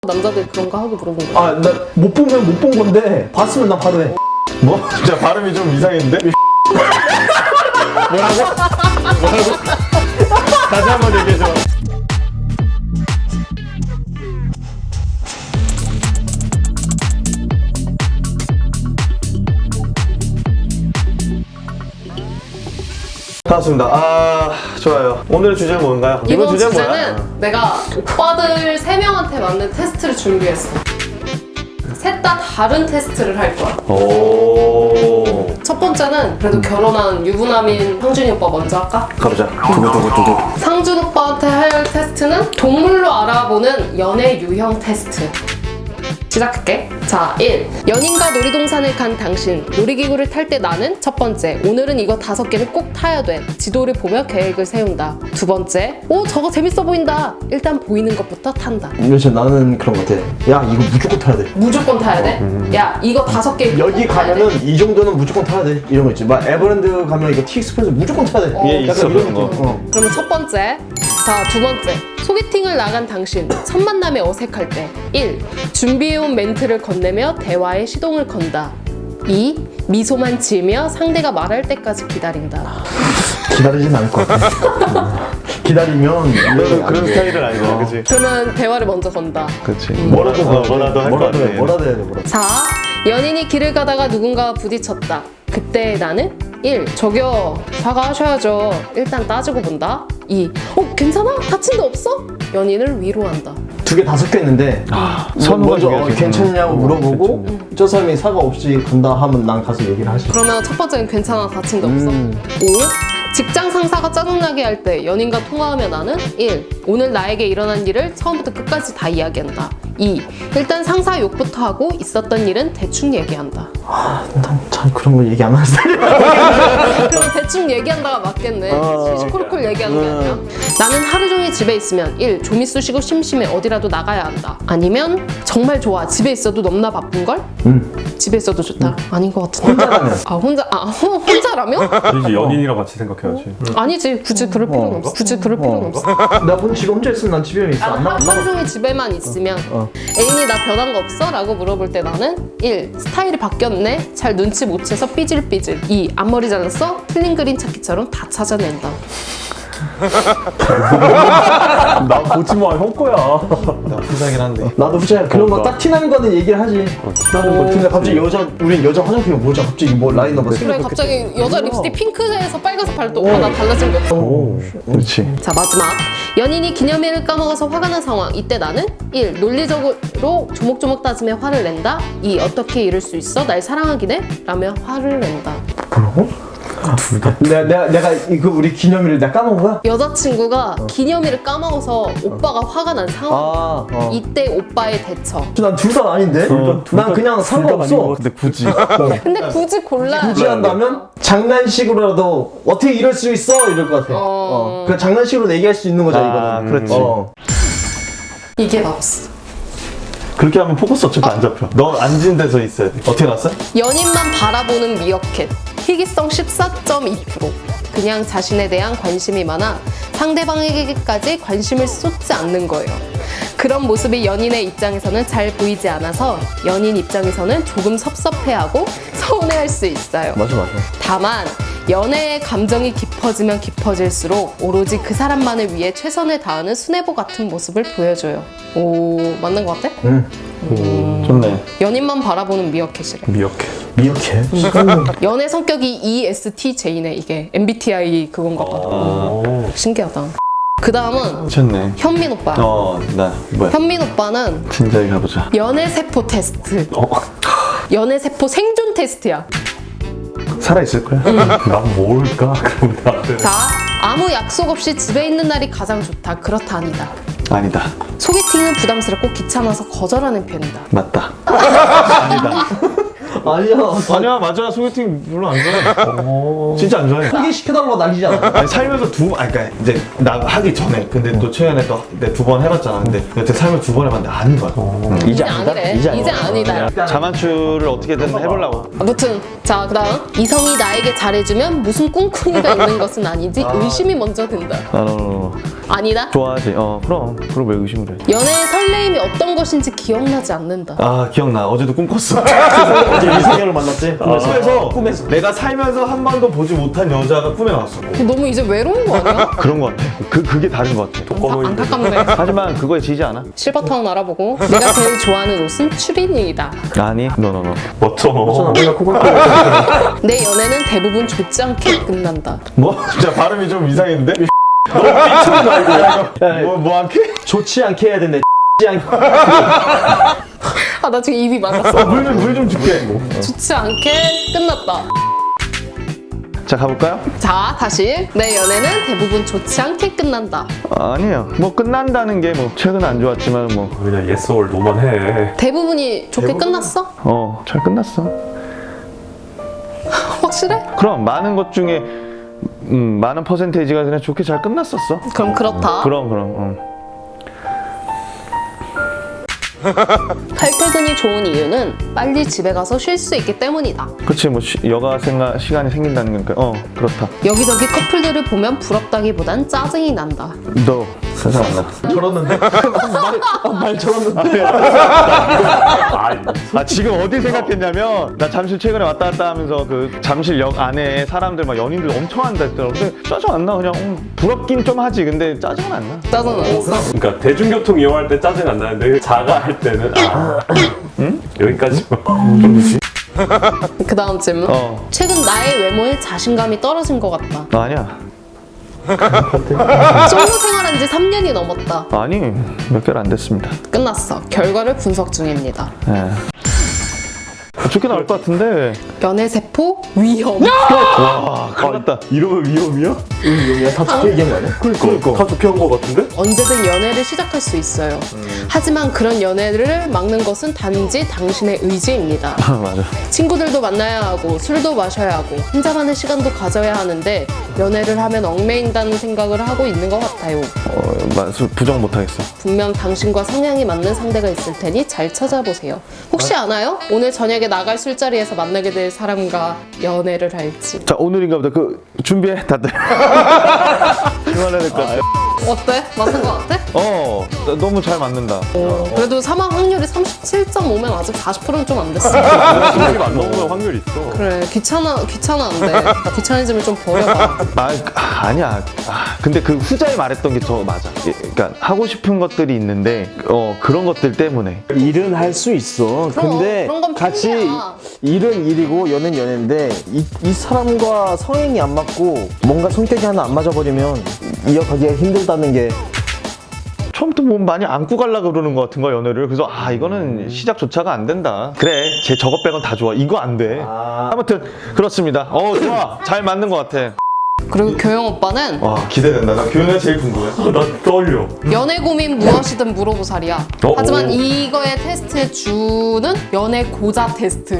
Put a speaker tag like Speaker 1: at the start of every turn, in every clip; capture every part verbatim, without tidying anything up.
Speaker 1: 남자들 그런 거 하고 물어본 거야.
Speaker 2: 아, 나 못 보면 못 본 건데 봤으면 나 바로 해.
Speaker 3: 뭐? 진짜 발음이 좀 이상했는데? 뭐라고? 뭐라고? 다시 한번 얘기해줘. 반갑습니다. 아, 좋아요. 오늘의 주제는 뭔가요?
Speaker 1: 이번
Speaker 3: 주제는
Speaker 1: 주제는
Speaker 3: 뭐야?
Speaker 1: 내가 오빠들 세 명한테 맞는 테스트를 준비했어. 셋 다 다른 테스트를 할 거야.
Speaker 3: 오.
Speaker 1: 첫 번째는 그래도 결혼한 유부남인 상준이 오빠 먼저 할까?
Speaker 3: 가보자. 두구두구두구.
Speaker 1: 상준 오빠한테 할 테스트는 동물로 알아보는 연애 유형 테스트. 시작할게. 자, 일. 연인과 놀이동산을 간 당신. 놀이기구를 탈 때 나는 첫 번째. 오늘은 이거 다섯 개를 꼭 타야 돼. 지도를 보며 계획을 세운다. 두 번째. 오, 저거 재밌어 보인다. 일단 보이는 것부터 탄다.
Speaker 2: 요새 나는 그런 것 같아. 야, 이거 무조건 타야 돼.
Speaker 1: 무조건 타야 돼? 야, 이거 다섯 개
Speaker 2: 여기
Speaker 1: 꼭 타야 돼.
Speaker 2: 가면은 이 정도는 무조건 타야 돼. 이런 거 있지. 막 에버랜드 가면 이거 티익스프레스 무조건 타야 돼.
Speaker 3: 예,
Speaker 2: 약간
Speaker 3: 있어,
Speaker 2: 이런
Speaker 3: 그런 거.
Speaker 2: 느낌. 어.
Speaker 1: 그러면 첫 번째. 자, 두 번째. 소개팅을 나간 당신. 첫 만남에 어색할 때. 일. 준비해온 멘트를 건네며 대화에 시동을 건다. 이. 미소만 지으며 상대가 말할 때까지 기다린다.
Speaker 2: 기다리진 않을 것 같아. 기다리면
Speaker 3: 너도 그런 스타일은 아니잖아, 그치?
Speaker 1: 그러면 대화를 먼저 건다.
Speaker 3: 그치. 뭐라도, 어, 뭐라도 할 거
Speaker 2: 뭐라도 해.
Speaker 3: 같아.
Speaker 2: 뭐라도 해야 돼. 뭐라도.
Speaker 1: 사. 연인이 길을 가다가 누군가와 부딪혔다. 그때 나는 일. 저기요, 사과하셔야죠. 일단 따지고 본다. 이. 어, 괜찮아? 다친 데 없어? 연인을 위로한다.
Speaker 2: 두 개 다섯 개 있는데
Speaker 3: 선호가
Speaker 2: 먼저 어,
Speaker 3: 중요하지.
Speaker 2: 괜찮냐고
Speaker 3: 어,
Speaker 2: 물어보고 저 사람이 사과 없이 간다 하면 난 가서 얘기를 하지.
Speaker 1: 그러면 첫 번째는 괜찮아, 다친 데 없어.
Speaker 2: 음.
Speaker 1: 오. 직장 상사가 짜증나게 할 때 연인과 통화하며 나는 일. 오늘 나에게 일어난 일을 처음부터 끝까지 다 이야기한다. 이. 일단 상사 욕부터 하고 있었던 일은 대충 얘기한다.
Speaker 2: 아, 난 잘 그런 거 얘기 안 하는 스타일이야.
Speaker 1: 그럼 대충 얘기한다가 맞겠네.
Speaker 2: 어.
Speaker 1: 시시콜콜 얘기하는 게 아니라. 나는 하루 종일 집에 있으면 일. 좀 있으시고 심심해 어디라도 나가야 한다. 아니면 정말 좋아. 집에 있어도 넘나 바쁜걸?
Speaker 2: 응.
Speaker 1: 집에 있어도 좋다. 아닌 것 같은데.
Speaker 2: 혼자라면.
Speaker 1: 아 혼자 아 호- 혼자라면?
Speaker 4: 아니지, 연인이랑 같이 생각해야지.
Speaker 1: 아니지. 굳이 그럴 필요는 없어. 굳이 그럴 필요는 없어.
Speaker 2: 나 본 지금 혼자 있으면 난 집에 있어. 안
Speaker 1: 아,
Speaker 2: 나가.
Speaker 1: 하루 종일 집에만 있으면
Speaker 2: 어.
Speaker 1: 애인이 나 변한 거 없어? 라고 물어볼 때 나는 일. 스타일이 바뀌었네? 잘 눈치 못 채서 삐질삐질. 이. 앞머리 잘랐어? 틀린 그림 찾기처럼 다 찾아낸다.
Speaker 4: 나 보지 마, 형 거야.
Speaker 3: 나 후자긴 한데.
Speaker 2: 나도 후자야. 그런 거
Speaker 4: 그러니까.
Speaker 2: 딱 티나는 거는 얘기를 하지.
Speaker 4: 티나는 거.
Speaker 2: 근데 갑자기 여자, 우린 여자 화장품이 뭐죠? 갑자기 뭐 라인 넘버
Speaker 1: 그래 갑자기 여자 립스틱 핑크에서 빨간색 바를 때 오빠 나 달라진 게 없어.
Speaker 3: 그렇지.
Speaker 1: 자 마지막. 연인이 기념일을 까먹어서 화가 난 상황. 이때 나는 일. 논리적으로 조목조목 따지며 화를 낸다. 이. 어떻게 이럴 수 있어? 날 사랑하긴 해? 라며 화를 낸다.
Speaker 2: 뭐라고? 내가, 내가, 내가 이거 우리 기념일을 내가 까먹은 거야?
Speaker 1: 여자친구가 기념일을 까먹어서 오빠가 화가 난 상황.
Speaker 2: 아, 어.
Speaker 1: 이때 오빠의 대처.
Speaker 2: 난 둘 다 아닌데?
Speaker 4: 어, 둘
Speaker 2: 난
Speaker 4: 다-
Speaker 2: 그냥
Speaker 4: 둘다
Speaker 2: 상관없어.
Speaker 4: 아닌 것 같은데 굳이.
Speaker 1: 근데 굳이 골라야
Speaker 2: 굳이
Speaker 1: 돼.
Speaker 2: 한다면 장난식으로라도 어떻게 이럴 수 있어? 이럴 것 같아.
Speaker 1: 어.
Speaker 2: 어. 그 장난식으로 얘기할 수 있는 거잖아,
Speaker 3: 아,
Speaker 2: 이거는.
Speaker 3: 그렇지.
Speaker 2: 어.
Speaker 1: 이게 나왔어.
Speaker 3: 그렇게 하면 포커스 어차피 안 잡혀. 너 앉은 데서 있어야 돼. 어떻게 났어?
Speaker 1: 연인만 바라보는 미어캣. 희귀성 십사 점 이 퍼센트. 그냥 자신에 대한 관심이 많아 상대방에게까지 관심을 쏟지 않는 거예요. 그런 모습이 연인의 입장에서는 잘 보이지 않아서 연인 입장에서는 조금 섭섭해하고 서운해할 수 있어요.
Speaker 2: 맞아, 맞아.
Speaker 1: 다만 연애의 감정이 깊어지면 깊어질수록 오로지 그 사람만을 위해 최선을 다하는 수뇌보 같은 모습을 보여줘요. 오, 맞는 것 같아?
Speaker 2: 응.
Speaker 3: 좋네.
Speaker 1: 연인만 바라보는 미어캣이래.
Speaker 4: 미역해.
Speaker 2: 미역해.
Speaker 1: 연애 성격이 이 에스 티 제이네. 이게 엠비티아이 그건가 봐.
Speaker 4: 오.
Speaker 1: 신기하다. 그 다음은
Speaker 3: 좋네.
Speaker 1: 현민 오빠.
Speaker 3: 어, 나 뭐야?
Speaker 1: 현민 오빠는
Speaker 3: 진작에 가보자.
Speaker 1: 연애세포 테스트.
Speaker 3: 어?
Speaker 1: 연애세포 생존 테스트야.
Speaker 3: 살아있을 거야?
Speaker 4: 난 뭘까? 그럼 나한테.
Speaker 1: 자, 아무 약속 없이 집에 있는 날이 가장 좋다. 그렇다 아니다.
Speaker 3: 아니다.
Speaker 1: 소개팅은 부담스럽고 귀찮아서 거절하는 편이다.
Speaker 3: 맞다.
Speaker 4: 아니다.
Speaker 2: 아니야.
Speaker 3: 아니야 맞아 소개팅 별로 안 좋아해. 진짜 안 좋아해.
Speaker 2: 소개시켜달라고 난리잖아.
Speaker 3: 아니 살면서 두, 아니 그러니까 이제 나 하기 전에 근데 또 최근에 또 내 두 번 해봤잖아. 근데 여태 살면서 두 번 해봤는데 아닌 거야. 음.
Speaker 1: 이제 아니래. 이제, 아니다.
Speaker 3: 자만추를 어떻게든 해보려고.
Speaker 1: 아무튼 자 그다음 이성이 나에게 잘해주면 무슨 꿍꿍이가 있는 것은 아니지 의심이 먼저 든다.
Speaker 3: 아, 너,
Speaker 1: 아니다.
Speaker 3: 좋아하지. 어 그럼 그럼 왜 의심을 해?
Speaker 1: 연애의 설레임이 어떤 것인지 기억나지 않는다.
Speaker 3: 아 기억나. 어제도 꿈꿨어.
Speaker 2: 어제 이성현을 만났지?
Speaker 3: 꿈에서
Speaker 2: 꿈에서.
Speaker 3: 내가 살면서 한 번도 보지 못한 여자가 꿈에 나왔어.
Speaker 1: 너무 이제 외로운 거 아니야?
Speaker 3: 그런 거 같아. 그 그게 다른 거 같아.
Speaker 1: 아, 안타깝네.
Speaker 3: 하지만 그거에 지지 않아.
Speaker 1: 실버타운 알아보고 내가 제일 좋아하는 옷은 추리닝이다.
Speaker 3: 아니, 너너너.
Speaker 4: 멋져.
Speaker 2: 내가 그걸
Speaker 1: 내 연애는 대부분 좋지 않게 끝난다.
Speaker 3: 뭐? 진짜 발음이 좀 이상했는데? 너 미쳤나 이거? 뭐, 뭐 않게?
Speaker 2: 좋지 않게 해야 된대. 좋지 않게.
Speaker 1: 아 나 지금 입이 맞았어.
Speaker 3: 물 좀 물 좀 줄게.
Speaker 1: 좋지 않게 끝났다.
Speaker 3: 자 가볼까요?
Speaker 1: 자 다시 내 연애는 대부분 좋지 않게 끝난다.
Speaker 3: 아니에요. 뭐 끝난다는 게 뭐 최근 안 좋았지만 뭐
Speaker 4: 그냥 yes or no만 해.
Speaker 1: 대부분이 좋게 끝났어?
Speaker 3: 어, 잘 끝났어.
Speaker 1: 확실해?
Speaker 3: 그럼 많은 것 중에 음, 많은 퍼센테이지가 그냥 좋게 잘 끝났었어.
Speaker 1: 그럼 그렇다.
Speaker 3: 그럼 그럼. 어.
Speaker 1: 칼퇴근이 좋은 이유는 빨리 집에 가서 쉴 수 있기 때문이다.
Speaker 3: 그치 뭐 쉬, 여가 생각 시간이 생긴다는 거니까 어 그렇다.
Speaker 1: 여기저기 커플들을 보면 부럽다기보단 짜증이 난다.
Speaker 3: 너 세상 안 나.
Speaker 2: 저렀는데? 말, 말 저렀는데?
Speaker 4: 아,
Speaker 3: 아 지금 어디 생각했냐면 나 잠실 최근에 왔다 갔다 하면서 그 잠실역 안에 사람들 막 연인들 엄청 한다 했더라고. 근데 짜증 안 나. 그냥 음, 부럽긴 좀 하지. 근데 짜증은 안 나.
Speaker 1: 짜증 났어.
Speaker 4: 그러니까 대중교통 이용할 때 짜증 안 나는데 자가 할 때는 아, 응? 여기까지만.
Speaker 1: 그 다음 질문.
Speaker 3: 어.
Speaker 1: 최근 나의 외모에 자신감이 떨어진 것 같다.
Speaker 3: 나 아니야.
Speaker 1: 솔로 생활한 지 삼 년이 넘었다.
Speaker 3: 아니 몇 개월 안 됐습니다.
Speaker 1: 끝났어. 결과를 분석 중입니다.
Speaker 3: 예. 좋게 나올 것 같은데.
Speaker 1: 연애 세포 위험.
Speaker 3: 와 큰일 났다.
Speaker 4: 이러면 위험이야?
Speaker 2: 응, 여기가 다 좋게 얘기한 거 아니야?
Speaker 4: 그러니까. 다 좋게 한 거 같은데?
Speaker 1: 언제든 연애를 시작할 수 있어요. 하지만 그런 연애를 막는 것은 단지 당신의 의지입니다.
Speaker 3: 맞아.
Speaker 1: 친구들도 만나야 하고 술도 마셔야 하고 혼자만의 시간도 가져야 하는데 연애를 하면 얽매인다는 생각을 하고 있는 것 같아요.
Speaker 3: 어, 맞, 부정 못하겠어.
Speaker 1: 분명 당신과 성향이 맞는 상대가 있을 테니 잘 찾아보세요. 혹시 아나요? 오늘 저녁에 나갈 술자리에서 만나게 될 사람과 연애를 할지.
Speaker 3: 자 오늘인가 보다. 그 준비해 다들. 그만해야 될 것 같아.
Speaker 1: 어때? 맞는 것 같아?
Speaker 3: 어 나- 너무 잘 맞는다.
Speaker 1: 어, 그래도 사망 확률이 삼십칠 점 오면 아직 사십 퍼센트는 좀 안 됐어.
Speaker 4: 확률이 안 넘으면 확률 있어.
Speaker 1: 그래 귀찮아 귀찮아 안 돼. 귀차니즘을 좀 버려봐.
Speaker 3: 아, 아 아니야. 아, 근데 그 후자에 말했던 게 더 맞아. 예, 그러니까 하고 싶은 것들이 있는데 어 그런 것들 때문에.
Speaker 2: 일은 할 수 있어.
Speaker 1: 그럼,
Speaker 2: 근데
Speaker 1: 그런 건
Speaker 2: 같이
Speaker 1: 핑계야.
Speaker 2: 일은 일이고 연애는 연애인데 이, 이 사람과 성향이 안 맞고 뭔가 성격이 하나 안 맞아버리면 이어가기가 힘들다는 게
Speaker 3: 처음부터 뭐 많이 안고 가려고 그러는 것 같은 거야 연애를. 그래서 아 이거는 시작조차가 안 된다. 그래 제 저것 빼곤 다 좋아. 이거 안 돼.
Speaker 2: 아.
Speaker 3: 아무튼 그렇습니다. 어 좋아. 잘 맞는 것 같아.
Speaker 1: 그리고 교영 오빠는
Speaker 3: 와 기대된다. 나 교훈이 제일 궁금해.
Speaker 4: 나 떨려.
Speaker 1: 연애 고민 무엇이든 물어보살이야.
Speaker 4: 어,
Speaker 1: 하지만
Speaker 4: 오.
Speaker 1: 이거의 테스트의 주는 연애 고자 테스트.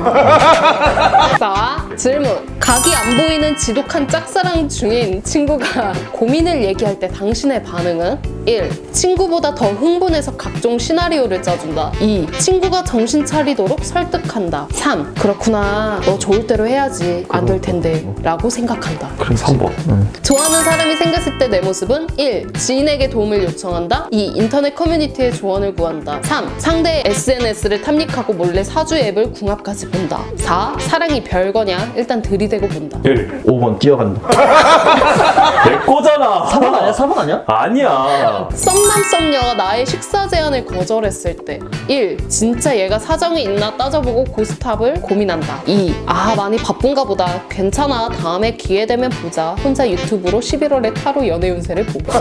Speaker 1: 자, 질문. 각이 안 보이는 지독한 짝사랑 중인 친구가 고민을 얘기할 때 당신의 반응은? 일. 친구보다 더 흥분해서 각종 시나리오를 짜준다. 이. 친구가 정신 차리도록 설득한다. 삼. 그렇구나. 너 좋을 대로 해야지. 안 될 텐데. 라고 생각한다.
Speaker 4: 그럼 삼 번.
Speaker 1: 좋아하는 사람이 생겼을 때 내 모습은 일. 지인에게 도움을 요청한다. 이. 인터넷 커뮤니티의 조언을 구한다. 삼. 상대의 에스엔에스를 탐닉하고 몰래 사주 앱을 궁합까지 본다. 사. 사랑이 별거냐? 일단 들이대고 본다.
Speaker 4: 일.
Speaker 2: 오 번 뛰어간다.
Speaker 4: 내 거잖아.
Speaker 2: 사 번 아니야? 사 번 아니야?
Speaker 4: 아니야.
Speaker 1: 썸남 썸녀가 나의 식사 제안을 거절했을 때 일. 진짜 얘가 사정이 있나 따져보고 고스톱을 고민한다. 이. 아 많이 바쁜가 보다. 괜찮아. 다음에 기회 되면 보자. 혼자 유튜브로 십일월에 타로 연애 운세를 보고.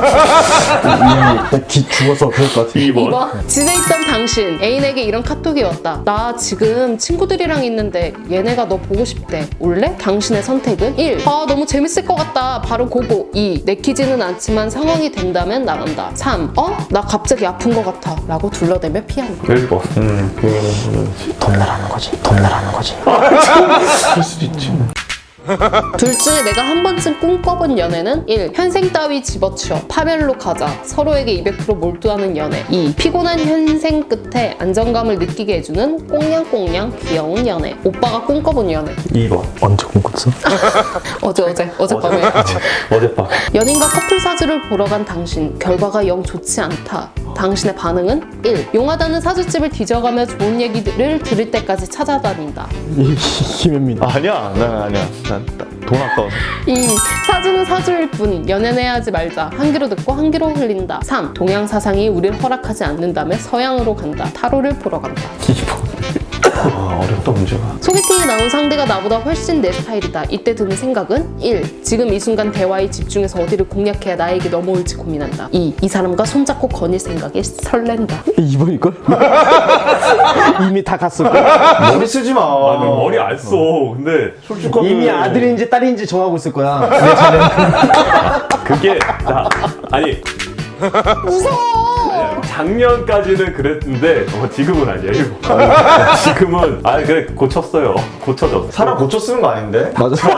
Speaker 2: 기 죽어서 그럴 것 같아.
Speaker 4: 이 번.
Speaker 1: 이 번. 집에 있던 당신 애인에게 이런 카톡이 왔다. 나 지금 친구들이랑 있는데 얘네가 너 보고 싶대. 올래? 당신의 선택은 일. 아 너무 재밌을 것 같다. 바로 고고. 이. 내키지는 않지만 상황이 된다면 나간다. 피한다. 삼. 어? 나 갑자기 아픈 것 같아 라고 둘러대며 피한다.
Speaker 4: 일 번.
Speaker 3: 음, 그거는
Speaker 2: 덤나라는 거지. 덤나라는 거지.
Speaker 3: 그럴 수도 있지.
Speaker 1: 둘 중에 내가 한 번쯤 꿈꿔본 연애는 일. 현생 따위 집어치워 파멸로 가자 서로에게 이백 퍼센트 몰두하는 연애. 이. 피곤한 현생 끝에 안정감을 느끼게 해주는 꽁냥꽁냥 귀여운 연애. 오빠가 꿈꿔본 연애.
Speaker 4: 이 번.
Speaker 2: 언제 꿈꿨어?
Speaker 1: 어제 어제 어젯밤에.
Speaker 4: 어젯밤.
Speaker 1: 연인과 커플 사주를 보러 간 당신. 결과가 영 좋지 않다. 당신의 반응은 일. 용하다는 사주집을 뒤져가며 좋은 얘기들을 들을 때까지 찾아다닌다.
Speaker 2: 김현민.
Speaker 3: 아니야, 나 아니야. 난 돈 아까워서.
Speaker 1: 이. 사주는 사주일 뿐 연애는 하지 말자. 한 귀로 듣고 한 귀로 흘린다. 삼. 동양 사상이 우릴 허락하지 않는다며 서양으로 간다. 타로를 보러 간다.
Speaker 3: 아, 어렵다 문제가.
Speaker 1: 소개팅에 나온 상대가 나보다 훨씬 내 스타일이다. 이때 드는 생각은 일. 지금 이 순간 대화에 집중해서 어디를 공략해야 나에게 넘어올지 고민한다. 이. 이 사람과 손잡고 거닐 생각에 설렌다.
Speaker 2: 이 번일걸? 이미 다 갔을걸?
Speaker 3: 머리 쓰지 마.
Speaker 4: 아, 너 머리 안 써. 근데 솔직하게
Speaker 2: 이미 아들인지 딸인지 정하고 있을 거야.
Speaker 4: 그게 나 아니
Speaker 1: 무서워!
Speaker 4: 작년까지는 그랬는데 어, 지금은 아니에요. 지금은 아 그래 고쳤어요. 고쳐졌어.
Speaker 3: 사람 고쳐 쓰는 거 아닌데?
Speaker 2: 맞아.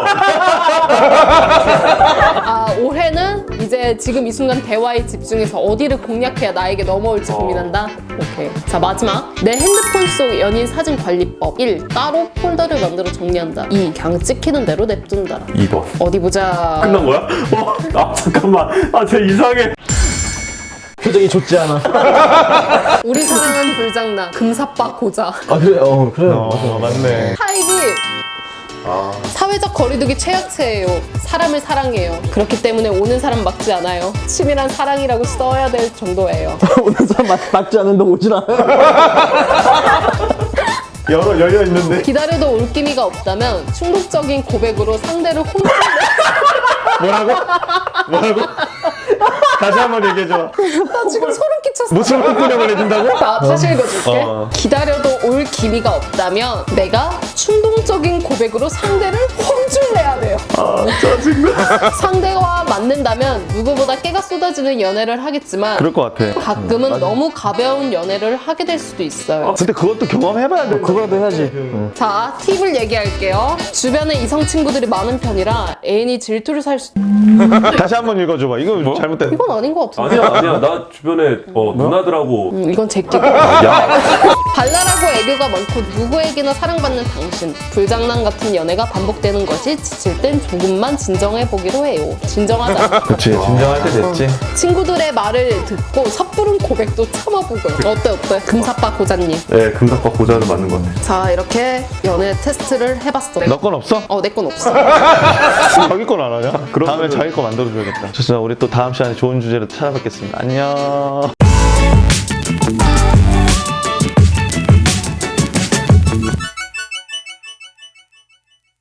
Speaker 1: 아, 올해는 이제 지금 이 순간 대화에 집중해서 어디를 공략해야 나에게 넘어올지
Speaker 4: 어.
Speaker 1: 고민한다? 오케이. 자, 마지막. 내 핸드폰 속 연인 사진 관리법. 일. 따로 폴더를 만들어 정리한다. 이. 그냥 찍히는 대로 냅둔다.
Speaker 4: 이 번.
Speaker 1: 어디 보자.
Speaker 4: 끝난 거야? 어, 아 잠깐만. 아 쟤 이상해.
Speaker 2: 표정이 좋지 않아.
Speaker 1: 우리 사랑은 불장난. 금사빠 고자.
Speaker 2: 아 그래, 어 그래.
Speaker 3: 어, 맞네.
Speaker 1: 타입이 사회적 거리두기 최약체예요. 사람을 사랑해요. 그렇기 때문에 오는 사람 막지 않아요. 치밀한 사랑이라고 써야 될 정도예요.
Speaker 2: 오는 사람 맞, 맞지 않은데 오진 않아.
Speaker 3: 열어 열려 있는데.
Speaker 1: 기다려도 올 기미가 없다면 충동적인 고백으로 상대를 혼자
Speaker 3: 뭐라고? 뭐라고? 다시 한번 얘기해줘.
Speaker 1: 나 지금 소름 끼쳤어.
Speaker 3: 무슨 헛구녕을 해준다고?
Speaker 1: 나 다시 읽어줄게.
Speaker 3: 어.
Speaker 1: 기다려도 올 기미가 없다면 내가 충동적인 고백으로 상대를 혼쭐 내야 돼요.
Speaker 3: 아 짜증나.
Speaker 1: 상대와 맞는다면 누구보다 깨가 쏟아지는 연애를 하겠지만
Speaker 3: 그럴 것 같아.
Speaker 1: 가끔은 너무 가벼운 연애를 하게 될 수도 있어요.
Speaker 3: 근데 그것도 경험해봐야 돼.
Speaker 2: 그거라도 해야지. 응.
Speaker 1: 자, 팁을 얘기할게요. 주변에 이성 친구들이 많은 편이라 애인이 질투를 살 수...
Speaker 3: 다시 한번 읽어줘봐. 이거
Speaker 4: 뭐?
Speaker 3: 잘못된.
Speaker 1: 이건 아닌 것 같은데.
Speaker 4: 아니야 아니야. 나 주변에 어, 누나들하고
Speaker 1: 음, 이건 제끼고.
Speaker 4: 야
Speaker 1: 발랄하고 애교가 많고 누구에게나 사랑받는 당신. 불장난 같은 연애가 반복되는 것이 지칠 땐 조금만 진정해보기로 해요. 진정하자.
Speaker 3: 그치 진정할 때 됐지.
Speaker 1: 친구들의 말을 듣고 섣부른 고백도 참아보고. 어때 어때? 금사빠 고자님.
Speaker 4: 네, 금사과 고자는 맞는 것 같아.
Speaker 1: 자, 이렇게 연애 테스트를 해봤어.
Speaker 3: 너 건 없어?
Speaker 1: 어, 내 건 없어.
Speaker 3: 자기 건 안 하냐?
Speaker 4: 그러면은-
Speaker 3: 다음에 자기 거 만들어줘야겠다. 좋습니다. 우리 또 다음 시간에 좋은 주제로 찾아뵙겠습니다. 안녕.